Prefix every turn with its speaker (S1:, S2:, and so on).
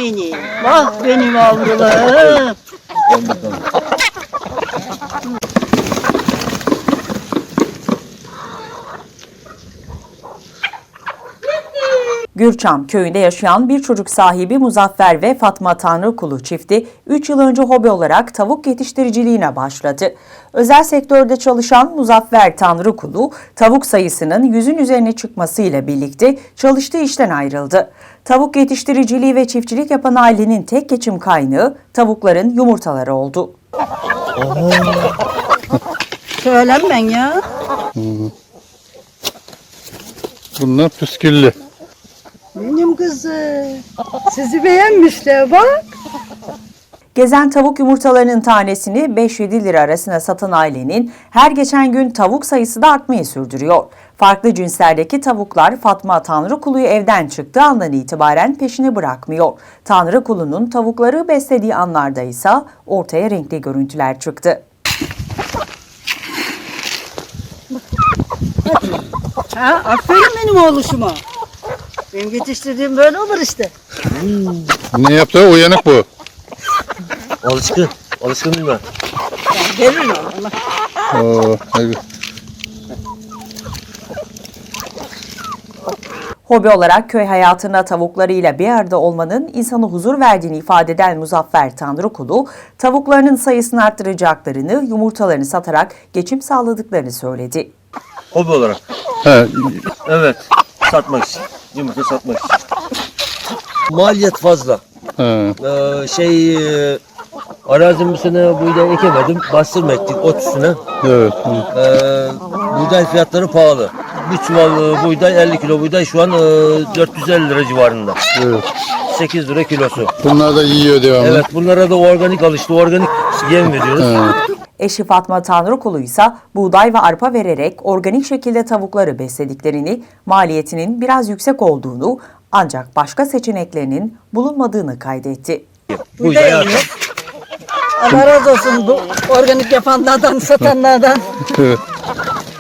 S1: beni. Bak benim avrularım.
S2: Gürçam köyünde yaşayan bir çocuk sahibi Muzaffer ve Fatma Tanrıkulu çifti 3 yıl önce hobi olarak tavuk yetiştiriciliğine başladı. Özel sektörde çalışan Muzaffer Tanrıkulu, tavuk sayısının 100'ün üzerine çıkmasıyla birlikte çalıştığı işten ayrıldı. Tavuk yetiştiriciliği ve çiftçilik yapan ailenin tek geçim kaynağı tavukların yumurtaları oldu.
S1: Söylenmen ya.
S3: Bunlar püsküllü.
S1: Benim kızım. Sizi beğenmişler bak.
S2: Gezen tavuk yumurtalarının tanesini 5-7 lira arasında satan ailenin her geçen gün tavuk sayısı da artmayı sürdürüyor. Farklı cinslerdeki tavuklar Fatma Tanrıkulu'yu evden çıktığı andan itibaren peşini bırakmıyor. Tanrıkulu'nun tavukları beslediği anlarda ise ortaya renkli görüntüler çıktı.
S1: Ha, aferin benim oğluşuma. Benim yetiştirdiğim böyle olur işte.
S3: Ne yaptı? Uyanık bu.
S4: Alışkın. Alışkın değil mi?
S1: Verin ona.
S3: Hadi.
S2: Hobi olarak köy hayatında tavuklarıyla bir arada olmanın insana huzur verdiğini ifade eden Muzaffer Tanrıkulu, tavuklarının sayısını arttıracaklarını, yumurtalarını satarak geçim sağladıklarını söyledi.
S4: Hobi olarak.
S3: He,
S4: Evet. Satmak için. Yumurta satmak için. Maliyet fazla.
S3: he.
S4: Arazim bu sene buğday ekemedim. Bastırma ektik ot üstüne.
S3: Evet.
S4: Buğday fiyatları pahalı. Bir çuval buğday 50 kilo buğday şu an 450 lira civarında.
S3: Evet.
S4: 8 lira kilosu.
S3: Bunlar da yiyor devamlı.
S4: Evet, bunlara da organik alıştı. Organik yem veriyoruz.
S3: He.
S2: Eşi Fatma Tanrıkulu ise buğday ve arpa vererek organik şekilde tavukları beslediklerini, maliyetinin biraz yüksek olduğunu ancak başka seçeneklerinin bulunmadığını kaydetti.
S4: Buğday arpa.
S1: Allah razı olsun bu organik yapanlardan, satanlardan.
S3: Evet.